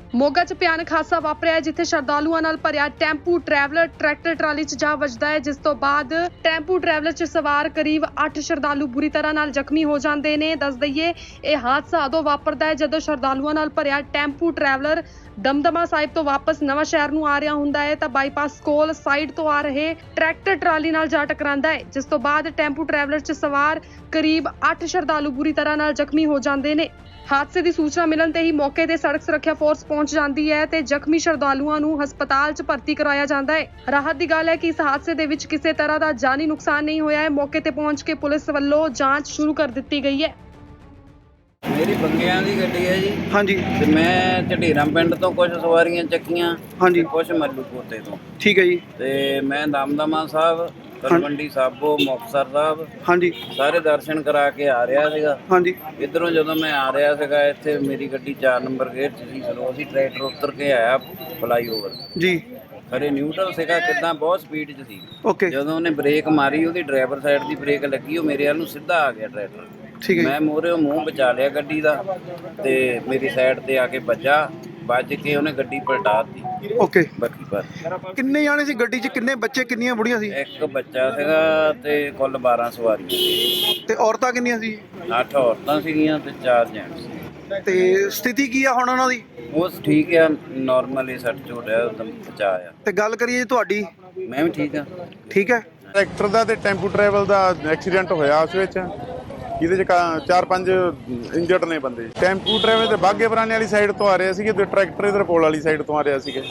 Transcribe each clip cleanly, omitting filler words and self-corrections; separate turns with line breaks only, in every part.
ਮੋਗਾ 'ਚ ਭਿਆਨਕ ਹਾਦਸਾ ਵਾਪਰਿਆ ਹੈ, ਜਿੱਥੇ ਸ਼ਰਧਾਲੂਆਂ ਨਾਲ ਭਰਿਆ ਟੈਂਪੂ ਟਰੈਵਲਰ ਟਰੈਕਟਰ ਟਰਾਲੀ 'ਚ ਜਾ ਵੱਜਦਾ ਹੈ, ਜਿਸ ਤੋਂ ਬਾਅਦ ਟੈਂਪੂ ਟਰੈਵਲਰ 'ਚ ਸਵਾਰ ਕਰੀਬ 8 ਸ਼ਰਧਾਲੂ ਬੁਰੀ ਤਰ੍ਹਾਂ ਨਾਲ ਜ਼ਖਮੀ ਹੋ ਜਾਂਦੇ ਨੇ। ਦੱਸ ਦਈਏ, ਇਹ ਹਾਦਸਾ ਉਦੋਂ ਵਾਪਰਦਾ ਹੈ ਜਦੋਂ ਸ਼ਰਧਾਲੂਆਂ ਨਾਲ ਭਰਿਆ ਟੈਂਪੂ ਟਰੈਵਲਰ ਦਮਦਮਾ ਸਾਹਿਬ ਤੋਂ ਵਾਪਸ ਨਵਾਂ ਸ਼ਹਿਰ ਨੂੰ ਆ ਰਿਹਾ ਹੁੰਦਾ ਹੈ ਤਾਂ ਬਾਈਪਾਸ ਕੋਲ ਸਾਈਡ ਤੋਂ ਆ ਰਹੇ ਟਰੈਕਟਰ ਟਰਾਲੀ ਨਾਲ ਜਾ ਟਕਰਾਂਦਾ ਹੈ, ਜਿਸ ਤੋਂ ਬਾਅਦ ਟੈਂਪੂ ਟਰੈਵਲਰ 'ਚ ਸਵਾਰ ਕਰੀਬ 8 ਸ਼ਰਧਾਲੂ ਬੁਰੀ ਤਰ੍ਹਾਂ ਨਾਲ ਜ਼ਖਮੀ ਹੋ ਜਾਂਦੇ ਨੇ। ਹਾਦਸੇ ਦੀ ਸੂਚਨਾ ਮਿਲਣ ਤੇ ਹੀ ਮੌਕੇ ਤੇ ਸੜਕ ਸੁਰੱਖਿਆ ਫੋਰਸ ਪਹੁੰਚ ਜਾਂਦੀ ਹੈ ਤੇ ਜ਼ਖਮੀ ਸ਼ਰਧਾਲੂਆਂ ਨੂੰ ਹਸਪਤਾਲ 'ਚ ਭਰਤੀ ਕਰਵਾਇਆ ਜਾਂਦਾ ਹੈ। ਰਾਹਤ ਦੀ ਗੱਲ ਹੈ ਕਿ ਇਸ ਹਾਦਸੇ ਦੇ ਵਿੱਚ ਕਿਸੇ ਤਰ੍ਹਾਂ ਦਾ ਜਾਨੀ ਨੁਕਸਾਨ ਨਹੀਂ ਹੋਇਆ ਹੈ। ਮੌਕੇ ਤੇ ਪਹੁੰਚ ਕੇ ਪੁਲਿਸ ਵੱਲੋਂ ਜਾਂਚ ਸ਼ੁਰੂ ਕਰ ਦਿੱਤੀ ਗਈ ਹੈ।
ਮੇਰੀ ਬੰਗਿਆਂ ਦੀ ਗੱਡੀ ਹੈ ਜੀ।
ਹਾਂਜੀ
ਤੇ ਮੈਂ ਝਢੀਰਾਂ ਪਿੰਡ ਤੋਂ ਕੁਝ ਸਵਾਰੀਆਂ ਚੱਕੀਆਂ,
ਹਾਂਜੀ
ਕੁਝ ਮੱਲੂਪੋਤੇ ਤੋਂ,
ਠੀਕ ਹੈ ਜੀ।
ਤੇ ਮੈਂ ਦਮਦਮਾ ਸਾਹਿਬ, ਤਲਵੰਡੀ ਸਾਬੋ, ਮੁਕਤਸਰ ਸਾਹਿਬ
ਹਾਂਜੀ
ਸਾਰੇ ਦਰਸ਼ਨ ਕਰਾ ਕੇ ਆ ਰਿਹਾ ਸੀਗਾ।
ਹਾਂਜੀ
ਇੱਧਰੋਂ ਜਦੋਂ ਮੈਂ ਆ ਰਿਹਾ ਸੀਗਾ, ਇੱਥੇ ਮੇਰੀ ਗੱਡੀ 4 ਨੰਬਰ ਗੇਟ 'ਚ ਸੀ। ਚਲੋ ਅਸੀਂ ਟਰੈਕਟਰ ਉੱਤਰ ਕੇ ਆਇਆ ਫਲਾਈਓਵਰ,
ਜੀ
ਖਰੇ ਨਿਊਟਰਲ ਸੀਗਾ, ਕਿੱਦਾਂ ਬਹੁਤ ਸਪੀਡ 'ਚ ਸੀ।
ਓਕੇ
ਜਦੋਂ ਉਹਨੇ ਬ੍ਰੇਕ ਮਾਰੀ, ਉਹਦੀ ਡਰਾਈਵਰ ਸਾਈਡ ਦੀ ਬ੍ਰੇਕ ਲੱਗੀ, ਉਹ ਮੇਰੇ ਵੱਲ ਨੂੰ ਸਿੱਧਾ ਆ ਗਿਆ ਟਰੈਕਟਰ।
ਠੀਕ ਹੈ
ਮੈਂ ਮੂਹਰੇ ਮੂੰਹ ਬਚਾ ਲਿਆ ਗੱਡੀ ਦਾ ਤੇ ਮੇਰੀ ਸਾਈਡ ਤੇ ਆ ਕੇ ਵੱਜ ਕੇ ਉਹਨੇ ਗੱਡੀ ਪਲਟਾ ਦਿੱਤੀ।
ਓਕੇ
ਬਾਕੀ ਪਰ
ਕਿੰਨੇ ਜਾਣੇ ਸੀ ਗੱਡੀ 'ਚ? ਕਿੰਨੇ ਬੱਚੇ, ਕਿੰਨੀਆਂ ਬੁੜੀਆਂ ਸੀ?
ਇੱਕ ਬੱਚਾ ਸੀਗਾ ਤੇ ਕੁੱਲ 12 ਸਵਾਰੀਆਂ ਸੀ।
ਤੇ ਔਰਤਾਂ ਕਿੰਨੀਆਂ ਸੀ?
8 ਔਰਤਾਂ ਸੀਗੀਆਂ ਤੇ 4 ਜੈਂਟਸ ਸੀ।
ਤੇ ਸਥਿਤੀ ਕੀ ਆ ਹੁਣ ਉਹਨਾਂ ਦੀ?
ਉਹ ਠੀਕ ਆ, ਨਾਰਮਲੀ ਸੱਟ ਚੋਟ ਆ, ਉਦਮ ਬਚਾ ਆ।
ਤੇ ਗੱਲ ਕਰੀਏ ਤੁਹਾਡੀ?
ਮੈਂ ਵੀ ਠੀਕ ਆ।
ਠੀਕ ਹੈ।
ਟਰੈਕਟਰ ਦਾ ਤੇ ਟੈਂਪੂ ਟਰੈਵਲ ਦਾ ਐਕਸੀਡੈਂਟ ਹੋਇਆ ਉਸ ਵਿੱਚ, ਜਿਹਦੇ 'ਚ 4-5 ਇੰਜਰਡ ਨੇ ਬੰਦੇ। ਟੈਂਪੂ ਟਰੈਵਲ ਤੇ ਬਾਗੇ ਪੁਰਾਣੇ ਵਾਲੀ ਸਾਈਡ ਤੋਂ ਆ ਰਹੇ ਸੀਗੇ ਤੇ ਟਰੈਕਟਰ ਇਧਰ ਪੋਲ ਵਾਲੀ ਸਾਈਡ ਤੋਂ ਆ ਰਿਹਾ ਸੀਗੇ।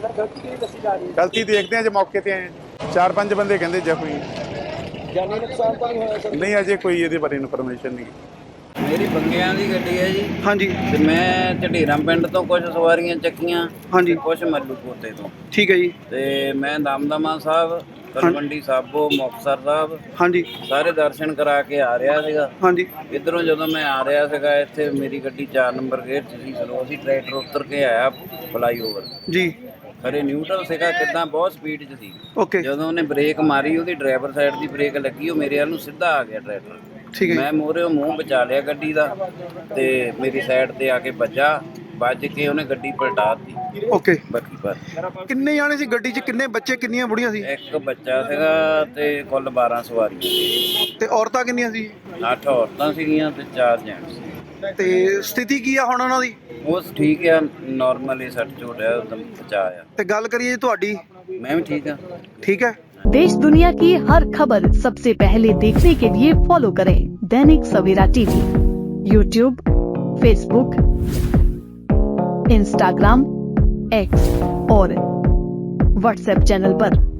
ਗਲਤੀ ਦੇਖਦੇ ਆ ਜੇ ਮੌਕੇ ਤੇ ਆਏ। 4-5 ਬੰਦੇ ਕਹਿੰਦੇ ਜ਼ਖਮੀ।
ਜਾਨੀ ਨੁਕਸਾਨ ਤਾਂ ਨਹੀਂ ਹੋਇਆ?
ਨਹੀਂ, ਅਜੇ ਕੋਈ ਇਹਦੇ ਬਾਰੇ ਇਨਫੋਰਮੇਸ਼ਨ ਨਹੀਂ।
ਮੇਰੀ ਬੰਗਿਆਂ ਦੀ ਗੱਡੀ ਹੈ ਜੀ।
ਹਾਂਜੀ
ਤੇ ਮੈਂ ਝਢੀਰਾਂ ਪਿੰਡ ਤੋਂ ਕੁਝ ਸਵਾਰੀਆਂ ਚੱਕੀਆਂ,
ਹਾਂਜੀ
ਕੁਝ ਮੱਲੂਪੋਤੇ ਤੋਂ,
ਠੀਕ ਹੈ ਜੀ।
ਤੇ ਮੈਂ ਦਮਦਮਾ ਸਾਹਿਬ, ਤਲਵੰਡੀ ਸਾਬੋ, ਮੁਕਤਸਰ ਸਾਹਿਬ
ਹਾਂਜੀ
ਸਾਰੇ ਦਰਸ਼ਨ ਕਰਾ ਕੇ ਆ ਰਿਹਾ ਸੀਗਾ।
ਹਾਂਜੀ
ਇੱਧਰੋਂ ਜਦੋਂ ਮੈਂ ਆ ਰਿਹਾ ਸੀਗਾ, ਇੱਥੇ ਮੇਰੀ ਗੱਡੀ 4 ਨੰਬਰ ਗੇਟ 'ਚ ਸੀ। ਚਲੋ ਅਸੀਂ ਟਰੈਕਟਰ ਉੱਤਰ ਕੇ ਆਇਆ ਫਲਾਈਓਵਰ,
ਜੀ
ਖਰੇ ਨਿਊਟਰਲ ਸੀਗਾ, ਕਿੱਦਾਂ ਬਹੁਤ ਸਪੀਡ 'ਚ ਸੀ।
ਓਕੇ
ਜਦੋਂ ਉਹਨੇ ਬ੍ਰੇਕ ਮਾਰੀ, ਉਹਦੀ ਡਰਾਈਵਰ ਸਾਈਡ ਦੀ ਬ੍ਰੇਕ ਲੱਗੀ, ਉਹ ਮੇਰੇ ਵੱਲ ਨੂੰ ਸਿੱਧਾ ਆ ਗਿਆ ਟਰੈਕਟਰ।
ਠੀਕ ਹੈ
ਮੈਂ ਮੂਹਰੇ ਮੂੰਹ ਬਚਾ ਲਿਆ ਗੱਡੀ ਦਾ ਤੇ ਮੇਰੀ ਸਾਈਡ ਤੇ ਆ ਕੇ ਵੱਜ ਕੇ ਉਹਨੇ ਗੱਡੀ ਪਲਟਾ ਦਿੱਤੀ।
ਓਕੇ
ਬਾਕੀ ਪਰ
ਕਿੰਨੇ ਜਾਣੇ ਸੀ ਗੱਡੀ 'ਚ? ਕਿੰਨੇ ਬੱਚੇ, ਕਿੰਨੀਆਂ ਬੁੜੀਆਂ ਸੀ?
ਇੱਕ ਬੱਚਾ ਸੀਗਾ ਤੇ ਕੁੱਲ 12 ਸਵਾਰੀਆਂ ਸੀ।
ਤੇ ਔਰਤਾਂ ਕਿੰਨੀਆਂ ਸੀ?
8 ਔਰਤਾਂ ਸੀਗੀਆਂ ਤੇ 4 ਜੈਂਟਸ ਸੀ।
ਤੇ ਸਥਿਤੀ ਕੀ ਆ ਹੁਣ ਉਹਨਾਂ ਦੀ?
ਉਹ ਠੀਕ ਆ, ਨਾਰਮਲੀ ਸੱਟ ਚੋਟ ਆ, ਉਦਮ ਬਚਾ ਆ।
ਤੇ ਗੱਲ ਕਰੀਏ ਤੁਹਾਡੀ?
ਮੈਂ ਵੀ ਠੀਕ ਆ।
ठीक है।
देश दुनिया की हर खबर सबसे पहले देखने के लिए फॉलो करें Dainik Savera TV, YouTube, Facebook, Instagram, X और व्हाट्सएप चैनल पर।